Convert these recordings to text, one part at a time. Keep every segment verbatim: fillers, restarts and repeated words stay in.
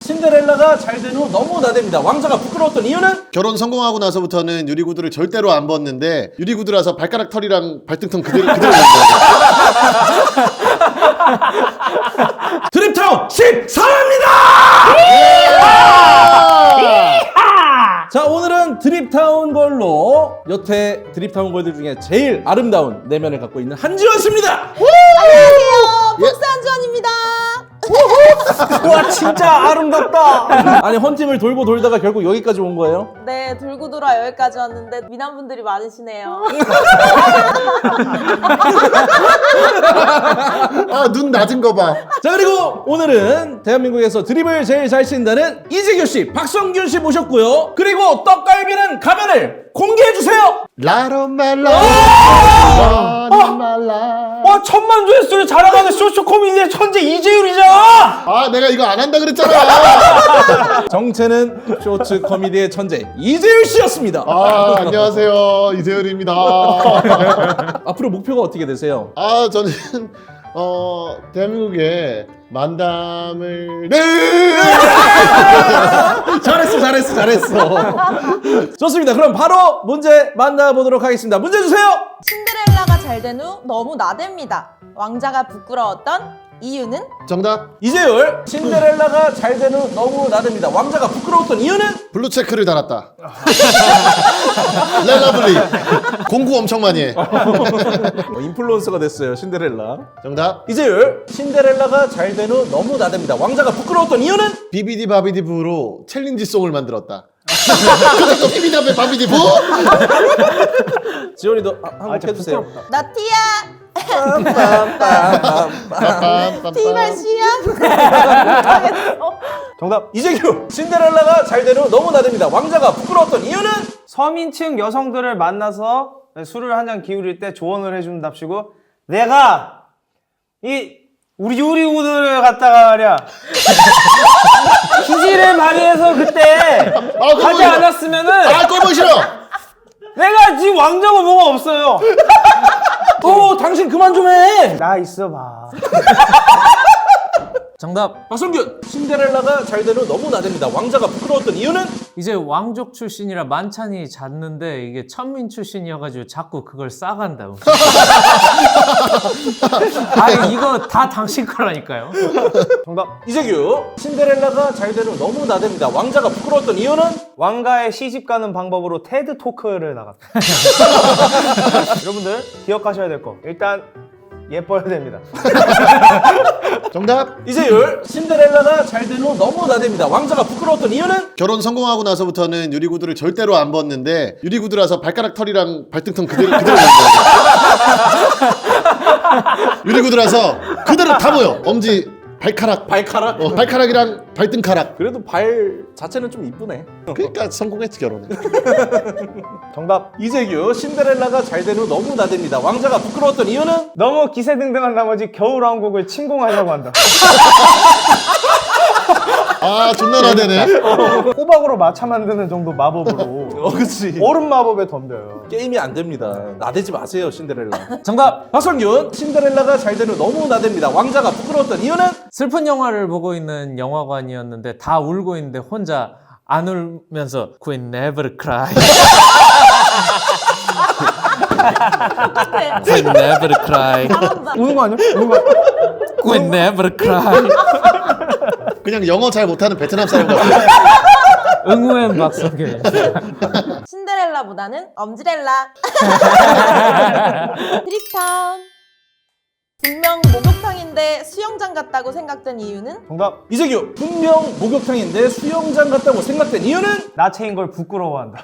신데렐라가 잘 된 후 너무 나댑니다. 왕자가 부끄러웠던 이유는? 결혼 성공하고 나서부터는 유리구두를 절대로 안 벗는데 유리구두라서 발가락 털이랑 발등통 그대로 그대로 남겨요. 드립타운 십삼입니다! 자, 오늘은 드립타운 걸로 여태 드립타운 걸들 중에 제일 아름다운 내면을 갖고 있는 한지원 씨입니다. 안녕하세요. 복스 한지원입니다. 와, 진짜 아름답다. 아니, 헌팅을 돌고 돌다가 결국 여기까지 온 거예요? 네, 돌고 돌아 여기까지 왔는데 미남분들이 많으시네요. 아, 눈 낮은 거 봐. 자, 그리고 오늘은 대한민국에서 드립을 제일 잘 친다는 이재규 씨, 박성균 씨 모셨고요. 그리고 떡갈비는 가면을 공개해주세요. 라로말라 라로말라. 와, 천만 조회수를 자랑하는 쇼쇼 코미디의 천재 이재율이잖아. 아, 내가 이거 안 한다 그랬잖아. 정체는 쇼츠 코미디의 천재 이재율 씨였습니다. 아, 안녕하세요, 이재율입니다. 앞으로 목표가 어떻게 되세요? 아, 저는 어 대한민국에 만담을 네. 잘했어, 잘했어, 잘했어. 좋습니다. 그럼 바로 문제 만나보도록 하겠습니다. 문제 주세요. 신데렐라가 잘 된 후 너무 나댑니다. 왕자가 부끄러웠던 이유는? 정답. 이재율, 신데렐라가 잘 된 후 너무 나댑니다. 왕자가 부끄러웠던 이유는? 블루 체크를 달았다. 렐라블리. 공구 엄청 많이 해. 어, 인플루언서가 됐어요, 신데렐라. 정답. 이재율, 신데렐라가 잘 된 후 너무 나댑니다. 왕자가 부끄러웠던 이유는? 비비디 바비디 부로 챌린지 송을 만들었다. 그것도 비비디 바비디 부? 지원이 너 아, 한번 아, 진짜 해주세요. 부끄럽다. 나 티야. 티가 씨야. 못하겠어. 정답. 이재규, 신데렐라가 잘 된 후 너무 나댑니다. 왕자가 부끄러웠던 이유는? 서민층 여성들을 만나서 술을 한 잔 기울일 때 조언을 해준답시고, 내가 이 우리 요리구들을 갖다가 말이야 기지를 발휘해서 그때 아, 그거 하지 이거- 않았으면은 아, 꼴보기 싫어. 내가 지금 왕자고 뭐가 없어요. 어, 당신 그만 좀 해. 나 있어봐. 정답. 박성균, 신데렐라가 잘 된 후 너무 나댑니다. 왕자가 부끄러웠던 이유는? 이제 왕족 출신이라 만찬이 잦는데 이게 천민 출신이어가지고 자꾸 그걸 싸간다. 아니 이거 다 당신 거라니까요. 정답. 이재규, 신데렐라가 잘 된 후 너무 나댑니다. 왕자가 부끄러웠던 이유는? 왕가의 시집 가는 방법으로 테드 토크를 나갔다. 여러분들 기억하셔야 될 거, 일단 예뻐야 됩니다. 정답. 이재율, 신데렐라가 잘 된 후 너무 나댑니다. 왕자가 부끄러웠던 이유는? 결혼 성공하고 나서부터는 유리구두를 절대로 안 벗는데 유리구두라서 발가락 털이랑 발등통 그대로 그대로 남겨요. 유리구두라서 그대로 다 보여. 엄지, 발가락, 발가락? 어, 발가락이랑 발등가락. 그래도 발 자체는 좀 이쁘네. 그러니까 성공했지, 결혼에. 정답. 이재규, 신데렐라가 잘 된 후 너무 나댑니다. 왕자가 부끄러웠던 이유는? 너무 기세등등한 나머지 겨울왕국을 침공하려고 한다. 아, 존나 나대네. 호박으로 마차 만드는 정도 마법으로 어, 그치. 얼음 마법에 덤벼요. 게임이 안 됩니다. 나대지 마세요, 신데렐라. 정답. 박성균, 신데렐라가 잘 된 후 너무 나댑니다. 왕자가 부끄러웠던 이유는? 슬픈 영화를 보고 있는 영화관이었는데 다 울고 있는데 혼자 안 울면서 Queen never cry. Queen never cry. 잘한다. 우는 거 아니야? 우는 거 아니야? Queen never cry. 그냥 영어 잘 못하는 베트남 사람 같아. 응우엔 박성균. 신데렐라보다는 엄지렐라. 드립타운. 분명 목욕탕인데 수영장 같다고 생각된 이유는? 정답. 이재규, 분명 목욕탕인데 수영장 같다고 생각된 이유는? 나체인 걸 부끄러워한다.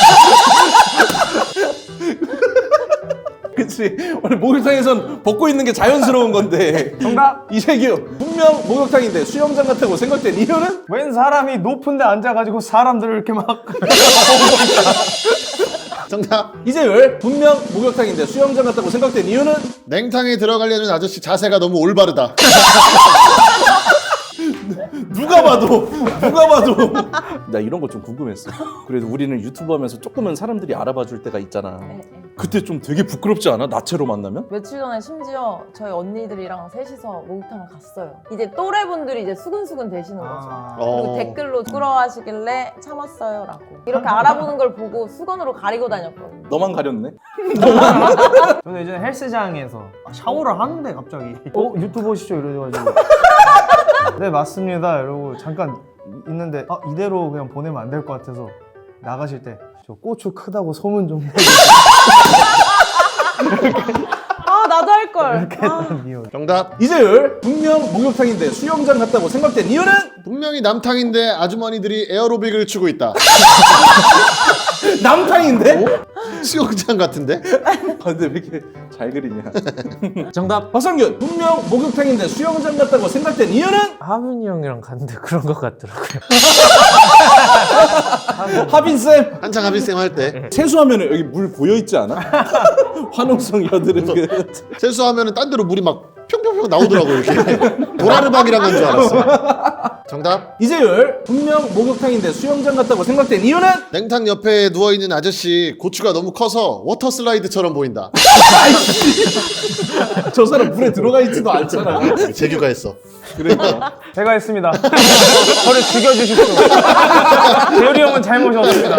그치. 원래 목욕탕에선 벗고 있는 게 자연스러운 건데. 정답. 이재규, 분명 목욕탕인데 수영장 같다고 생각된 이유는? 웬 사람이 높은 데 앉아가지고 사람들을 이렇게 막 정답. 이재율, 분명 목욕탕인데 수영장 같다고 생각된 이유는? 냉탕에 들어가려는 아저씨 자세가 너무 올바르다. 누가 봐도 누가 봐도 나 이런 거 좀 궁금했어. 그래도 우리는 유튜브 하면서 조금은 사람들이 알아봐 줄 때가 있잖아. 네, 네. 그때 좀 되게 부끄럽지 않아? 나체로 만나면? 며칠 전에 심지어 저희 언니들이랑 셋이서 목욕탕을 갔어요. 이제 또래분들이 이제 수근수근 되시는 거죠. 아. 그리고 어. 댓글로 부끄러워하시길래 참았어요라고. 이렇게 알아보는 걸 보고 수건으로 가리고 다녔거든요. 너만 가렸네? 저는 예전에 헬스장에서 샤워를 하는데 갑자기 어? 유튜버시죠? 이래가지고 네 맞습니다 이러고 잠깐 있는데 아 이대로 그냥 보내면 안 될 것 같아서 나가실 때 저 고추 크다고 소문 좀 내주세요 아 나도 할 걸. 이렇게 했던 이유. 정답. 이재율 분명 목욕탕인데 수영장 갔다고 생각된 이유는? 분명히 남탕인데 아주머니들이 에어로빅을 추고 있다. 남탕인데? 수영장 같은데? 아, 근데 왜 이렇게 잘 그리냐? 정답. 박성균 분명 목욕탕인데 수영장 갔다고 생각된 이유는? 하민이 형이랑 갔는데 그런 것 같더라고요. 하빈쌤 한창 하빈쌤 할 때 세수하면 여기 물 고여있지 않아? 환웅성 여드름 그 세수하면은 딴 데로 물이 막 평평평 나오더라고 이렇게. 도라르박이랑 한 줄 알았어. 정답. 이재율 분명 목욕탕인데 수영장 갔다고 생각된 이유는? 냉탕 옆에 누워있는 아저씨 고추가 너무 커서 워터 슬라이드처럼 보인다. 저 사람 물에 들어가 있지도 않잖아. 재규가 했어. 그러니까 제가 했습니다. 저를 죽여주십시오. 재율이 형은 잘못이었습니다.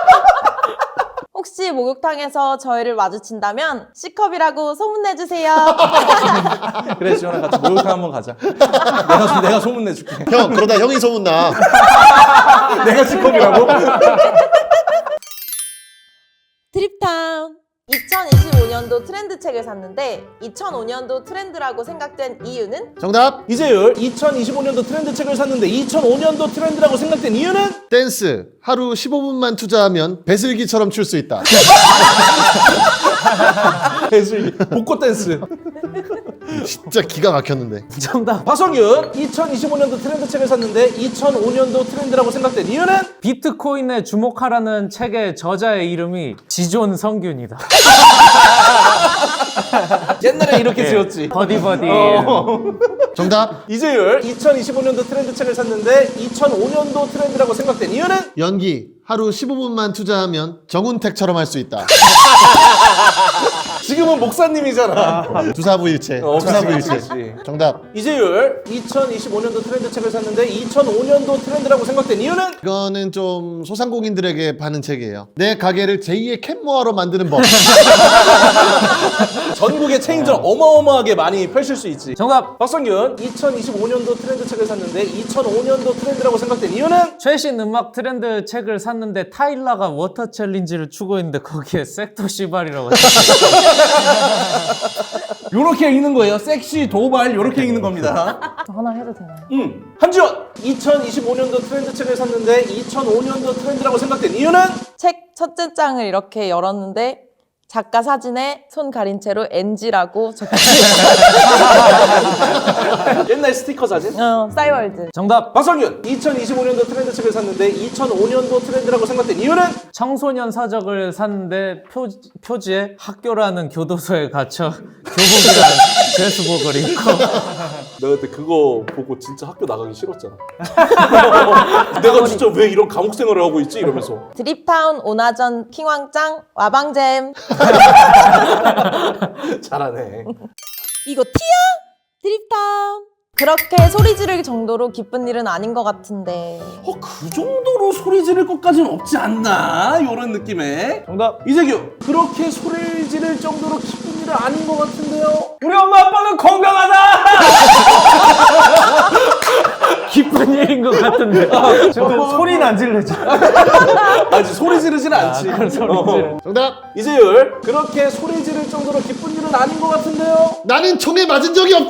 혹시 목욕탕에서 저희를 마주친다면 C컵이라고 소문내주세요. 그래 지원아 같이 목욕탕 한번 가자. 내가 내가 소문 내줄게. 형 그러다 형이 소문나. 내가 C컵이라고? 드립타운. 이천이십오 년도 트렌드 책을 샀는데 이천오 년도 트렌드라고 생각된 이유는? 정답. 이재율 이천이십오 년도 트렌드 책을 샀는데 이천오 년도 트렌드라고 생각된 이유는? 댄스 하루 십오 분만 투자하면 배슬기처럼 출 수 있다. 배슬기 복고 댄스. 진짜 기가 막혔는데. 정답. 박성균 이천이십오 년도 트렌드 책을 샀는데 이천오 년도 트렌드라고 생각된 이유는? 비트코인에 주목하라는 책의 저자의 이름이 지존 성균이다. 옛날에 이렇게 지었지. 버디버디. 어. 정답. 이재율 이천이십오 년도 트렌드 책을 샀는데 이천오 년도 트렌드라고 생각된 이유는? 연기 하루 십오 분만 투자하면 정운택처럼 할 수 있다. 지금은 목사님이잖아. 두사부일체. 어, 두사부일체. 그치, 그치. 정답. 이재율 이천이십오 년도 트렌드 책을 샀는데 이천오 년도 트렌드라고 생각된 이유는? 이거는 좀 소상공인들에게 파는 책이에요. 내 가게를 제이의 캔모아로 만드는 법. 전국의 체인점 어마어마하게 많이 펼칠 수 있지. 정답. 박성균 이천이십오 년도 트렌드 책을 샀는데 이천오 년도 트렌드라고 생각된 이유는? 최신 음악 트렌드 책을 샀는데 타일라가 워터 챌린지를 추고 있는데 거기에 섹터 시발이라고 요렇게 읽는 거예요. 섹시, 도발 요렇게 읽는 겁니다. 저 하나 해도 되나요? 음. 한지원 이천이십오 년도 트렌드 책을 샀는데 이천오 년도 트렌드라고 생각된 이유는? 책 첫째 장을 이렇게 열었는데 작가 사진에 손 가린 채로 엔지라고 적혀있어요. 옛날 스티커 사진? 어, 싸이월드. 정답. 박성균 이천이십오 년도 트렌드 책을 샀는데 이천오 년도 트렌드라고 생각된 이유는? 청소년 사적을 샀는데 표, 표지에 학교라는 교도소에 갇혀 교복이란 드레스복을 입고 내가 그때 그거 보고 진짜 학교 나가기 싫었잖아. 내가 진짜 왜 이런 감옥 생활을 하고 있지? 이러면서. 드립타운 오나전 킹왕짱 와방잼. 잘하네. 이거 티야? 드립타운. 그렇게 소리 지를 정도로 기쁜 일은 아닌 것 같은데. 어, 그 정도로 소리 지를 것까지는 없지 않나? 이런 느낌에. 정답. 이재규, 그렇게 소리를 지를 정도로 기쁜 일은 아닌 것 같은데요? 우리 엄마 아빠는 건강하다. 기쁜 일인 것 같은데. 지금 소리는 안 질르죠. 아직 소리 지르지는 않지. 그런 소리 어. 지르. 정답. 이재율, 그렇게 소리 지를 정도로 기쁜 일은 아닌 것 같은데요? 나는 총에 맞은 적이 없다.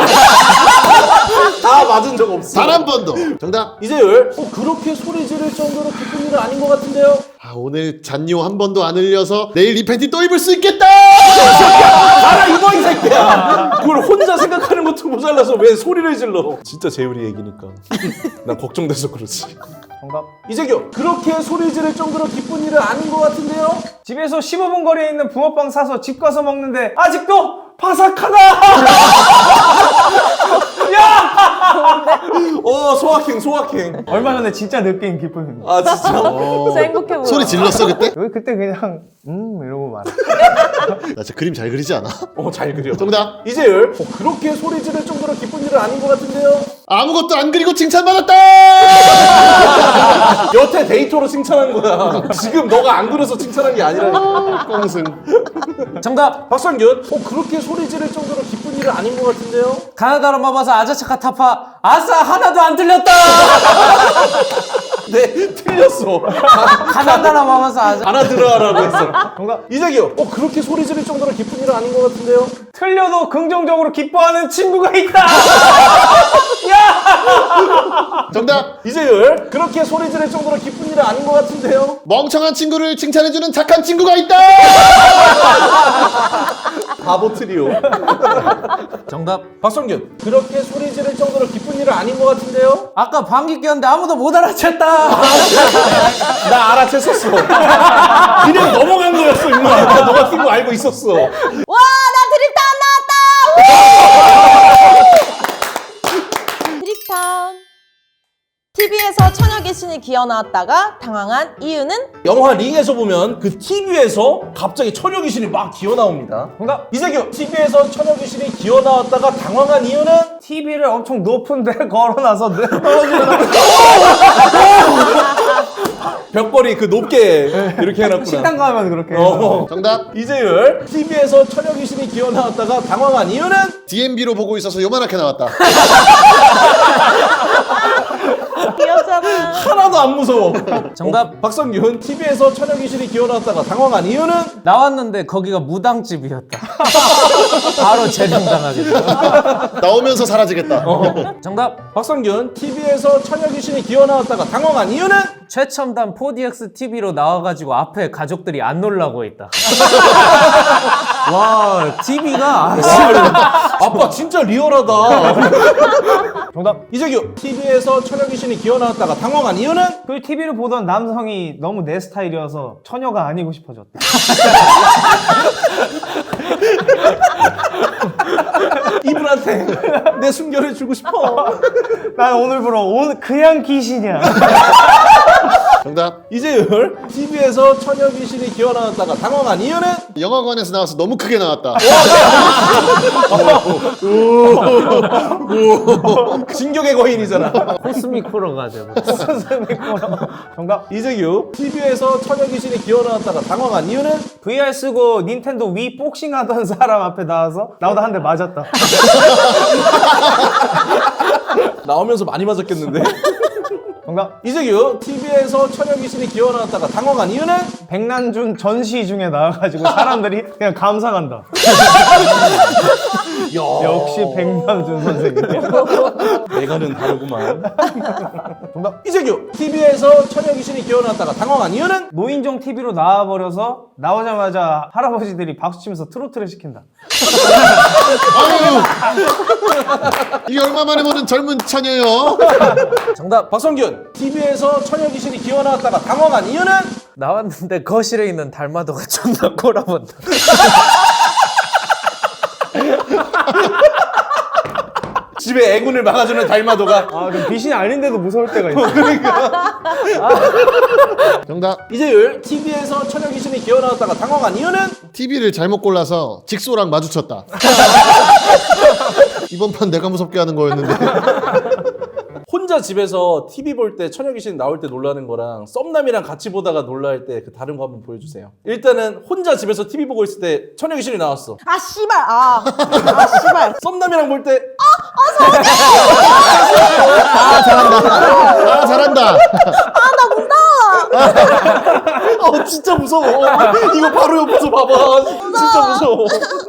다 맞은 적 없어. 단 한 번도. 정답. 이재율, 어, 그렇게 소리 지를 정도로 기쁜 일은 아닌 것 같은데요? 아, 오늘 잔요 한 번도 안 흘려서 내일 이 팬티 또 입을 수 있겠다. 알아 이거 이 새끼야. 그걸 혼자 생각하는 것도 모자라서 왜 소리를 질러? 진짜 재율이 얘기니까 난 걱정돼서 그렇지. 정답. 이재규, 그렇게 소리 지를 정도로 기쁜 일은 아닌 것 같은데요? 집에서 십오 분 거리에 있는 붕어빵 사서 집 가서 먹는데 아직도 바삭하다. 야! 어 소확행 소확행. 얼마 전에 진짜 느낀 기쁨입니다. 아 진짜. 진짜 행복해 보여. 소리 질렀어 그때? 여기 그때 그냥 음 이러고 말아. 나 진짜 그림 잘 그리지 않아? 어잘 그려. 정답. 이재율. 어, 그렇게 소리 지를 정도로 기쁜 일은 아닌 것 같은데요. 아무것도 안 그리고 칭찬받았다. 여태 데이터로 칭찬한 거야. 지금 너가 안 그려서 칭찬한 게 아니라. 꽁승. 정답. 박성균. 어 그렇게 소리 지를 정도로 기쁜 일은 아닌 것 같은데요. 가나다라 마바사 아자차카 타파 아싸 하나도 안 틀렸다. 네 틀렸어. 가나다라 마바사 아자. 하나 들어라고 했어. 정답. 이재규. 어 그렇게 소리 지를 정도로 기쁜 일은 아닌 것 같은데요. 틀려도 긍정적으로 기뻐하는 친구가 있다. 정답. 이재율. 그렇게 소리 지를 정도로 기쁜 일은 아닌 것 같은데요. 멍청한 친구를 칭찬해주는 착한 친구가 있다. 바보 트리오. 정답. 박성균. 그렇게 소리 지를 정도로 기쁜 일은 아닌 것 같은데요. 아까 방귀 뀌었는데 아무도 못 알아챘다. 나 알아챘었어. 그냥 넘어간 거였어 임마. 나 너가 낀 거 알고 있었어. 와, 나 드립타운 나왔다! 드립타운. 티비에서 처녀 귀신이 기어 나왔다가 당황한 이유는? 영화 링에서 보면 그 티비에서 갑자기 처녀 귀신이 막 기어 나옵니다. 정답. 이재규. 티비에서 처녀 귀신이 기어 나왔다가 당황한 이유는? 티비를 엄청 높은 데 걸어놔서 떨어지는 벽걸이 그 높게 이렇게 해놨구나. 식당 가면 그렇게. 어. 정답. 이재율. 티비에서 처녀 귀신이 기어 나왔다가 당황한 이유는? 디엠비로 보고 있어서 요만하게 나왔다. 귀엽잖아. 하나도 안 무서워. 정답. 박성균. 티비에서 처녀 귀신이 기어 나왔다가 당황한 이유는? 나왔는데 거기가 무당집이었다. 바로 재림당하겠다. 나오면서 사라지겠다. 정답. 박성균. 티비에서 처녀 귀신이 기어 나왔다가 당황한 이유는? 최첨단 포디엑스 티비로 나와가지고 앞에 가족들이 안 놀라고 있다. 와, 티비가 아빠 진짜 리얼하다. 정답. 이재규. 티비에서 처녀 귀신이 기어 나왔다가 당황한 이유는? 그 티비를 보던 남성이 너무 내 스타일이어서 처녀가 아니고 싶어졌다. 이분한테 내 순결을 주고 싶어. 난 오늘부로 온 그냥 귀신이야. 정답. 이재율. 티비에서 처녀 귀신이 기어 나왔다가 당황한 이유는? 영화관에서 나와서 너무 크게 나왔다. 진격의 거인이잖아. 코스믹 호러가 되고. 정답. 이재규. 티비에서 처녀 귀신이 기어 나왔다가 당황한 이유는? 브이알 쓰고 닌텐도 위 복싱 하던 사람 앞에 나와서 나보다 한 대 맞았다. 나오면서 많이 맞았겠는데? 정답. 이재규. 티비에서 처녀 귀신이 기어 나왔다가 당황한 이유는? 백난준 전시 중에 나와가지고 사람들이 그냥 감상한다. 역시 백남준 선생님. 내가는 다르구만. 정답. 이재규. 티비에서 처녀 귀신이 기어 나왔다가 당황한 이유는? 노인정 티비로 나와버려서 나오자마자 할아버지들이 박수치면서 트로트를 시킨다. 아유. 이게 얼마 만에 보는 젊은 처녀요. 정답. 박성균. 티비에서 처녀 귀신이 기어 나왔다가 당황한 이유는? 나왔는데 거실에 있는 달마도가 존나 꼬라본다. 집에 애군을 막아주는 달마도가. 아, 그럼 귀신이 아닌데도 무서울 때가 있어. 정답. 이재율. 티비에서 처녀 귀신이 기어 나왔다가 당황한 이유는? 티비를 잘못 골라서 직소랑 마주쳤다. 이번 판 내가 무섭게 하는 거였는데. 혼자 집에서 티비 볼 때 처녀 귀신 나올 때 놀라는 거랑 썸남이랑 같이 보다가 놀랄 때 그 다른 거 한번 보여주세요. 일단은 혼자 집에서 티비 보고 있을 때 처녀 귀신이 나왔어. 아, 씨발. 아, 아, 씨발. 썸남이랑 볼 때 아 잘한다. 어, 진짜 무서워. 이거 바로 옆에서 봐봐. 진짜 무서워.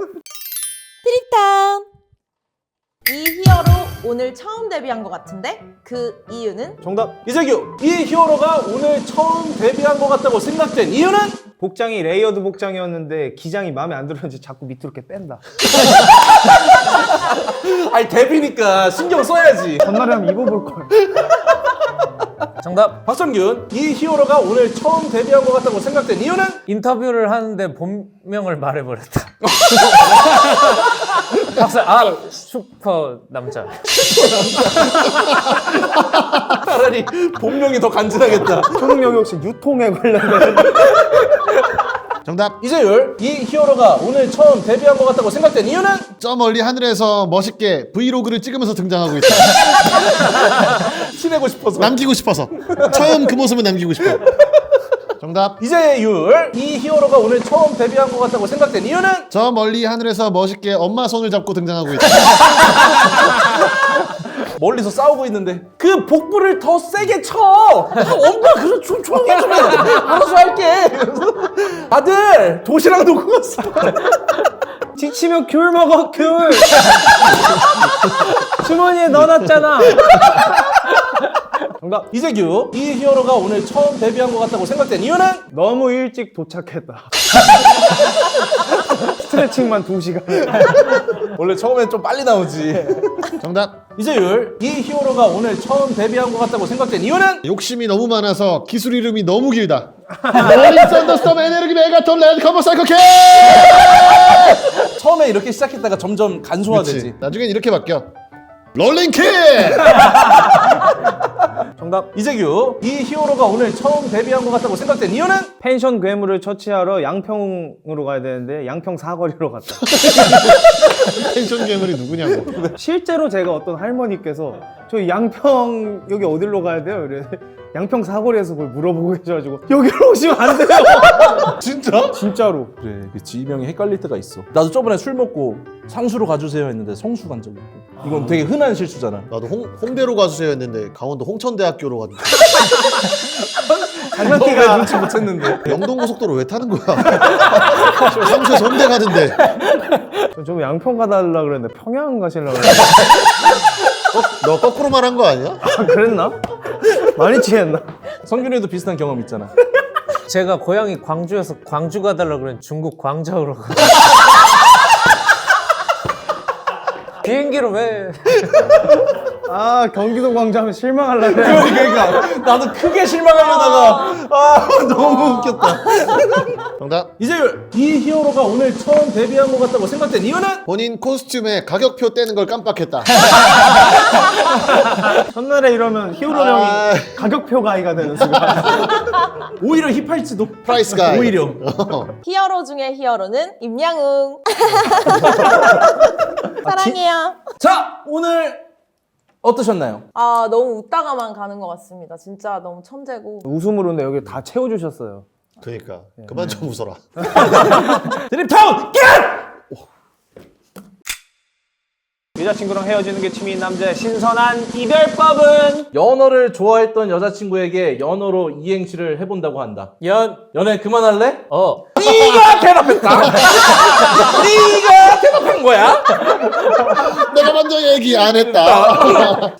트립타운. 이 히어로 오늘 처음 데뷔한 것 같은데 그 이유는? 정답. 이재규. 이 히어로가 오늘 처음 데뷔한 것 같다고 생각된 이유는? 복장이 레이어드 복장이었는데 기장이 마음에 안 들었는지 자꾸 밑으로 이렇게 뺀다. 아니 데뷔니까 신경 써야지. 전날에 한번 입어볼 걸. 정답. 박성균. 이 히어로가 오늘 처음 데뷔한 것 같다고 생각된 이유는? 인터뷰를 하는데 본명을 말해버렸다. 박사 아 슈퍼 남자. 차라리 본명이 더 간지나겠다. 초능력이 혹시 유통에 관련된 정답. 이재율, 이 히어로가 오늘 처음 데뷔한 것 같다고 생각된 이유는? 저 멀리 하늘에서 멋있게 브이로그를 찍으면서 등장하고 있다. 티내고 싶어서. 남기고 싶어서. 처음 그 모습을 남기고 싶어. 정답. 이재율, 이 히어로가 오늘 처음 데뷔한 것 같다고 생각된 이유는? 저 멀리 하늘에서 멋있게 엄마 손을 잡고 등장하고 있다. 멀리서 싸우고 있는데 그 복부를 더 세게 쳐. 아, 엄마 그래 좀 조용히 좀 해. 알아서 할게. 아들 도시락 놓고 갔어. 지치면 귤 먹어 귤 주머니에 넣어놨잖아. 정답. 이재규, 이 히어로가 오늘 처음 데뷔한 것 같다고 생각된 이유는? 너무 일찍 도착했다. 스트레칭만 두 시간. 원래 처음엔 좀 빨리 나오지. 정답. 이재율, 이 히어로가 오늘 처음 데뷔한 것 같다고 생각된 이유는? 욕심이 너무 많아서 기술 이름이 너무 길다. 롤링 썬더스톰 에너지 메가톤 레드 커버 사이코 캐. 처음에 이렇게 시작했다가 점점 간소화되지. 그렇지. 나중엔 이렇게 바뀌어. 롤링 킥! 정답. 이재규, 이 히어로가 오늘 처음 데뷔한 것 같다고 생각된 이유는? 펜션 괴물을 처치하러 양평으로 가야 되는데 양평 사거리로 갔다. 펜션 괴물이 누구냐고. 실제로 제가 어떤 할머니께서 저 양평 여기 어디로 가야 돼요? 이래 양평 사거리에서 그걸 물어보고 계셔가지고 여기로 오시면 안 돼요. 진짜? 진짜로. 그래, 그 지명이 헷갈릴 때가 있어. 나도 저번에 술 먹고 상수로 가주세요 했는데 성수 간 적이 있고. 이건 되게 흔한 실수잖아. 나도 홍, 홍대로 가주세요 했는데 강원도 홍천대학교로 갔는데 장난기가 눈치 못 챘는데. 영동고속도로 왜 타는 거야? 삼수에서 홍대 가는데. 저- 좀 양평 가달라 그랬는데 평양 가시려고 그랬는데 너 거꾸로 말한 거 아니야? 아, 그랬나? 많이 취했나? 성균이도 비슷한 경험 있잖아. 제가 고향이 광주여서 광주 가달라 그랬는데 중국 광저우로 가. 비행기로 왜? 아 경기도 광주하면 실망하려고 해. 그러니까 나도 크게 실망하려다가 아 너무 웃겼다. 정답. 이재율, 이 히어로가 오늘 처음 데뷔한 것 같다고 생각된 이유는? 본인 코스튬에 가격표 떼는 걸 깜빡했다. 첫날에 이러면 히어로 아. 형이 가격표 가이가 되는 순간. 오히려 힙할지도. 프라이스 가이. 오히려. 히어로 중에 히어로는 임양웅. 사랑해요. 자, 오늘 어떠셨나요? 아 너무 웃다가만 가는 것 같습니다. 진짜 너무 천재고. 웃음으로는 여기 다 채워주셨어요. 그러니까 그만 좀 웃어라. 드립타운 겟! 여자친구랑 헤어지는 게 취미인 남자의 신선한 이별법은? 연어를 좋아했던 여자친구에게 연어로 이행시를 해본다고 한다. 연. 연애 그만할래? 어. 네가 대답했다. 네가 대답한 거야. 내가 먼저 얘기 안 했다.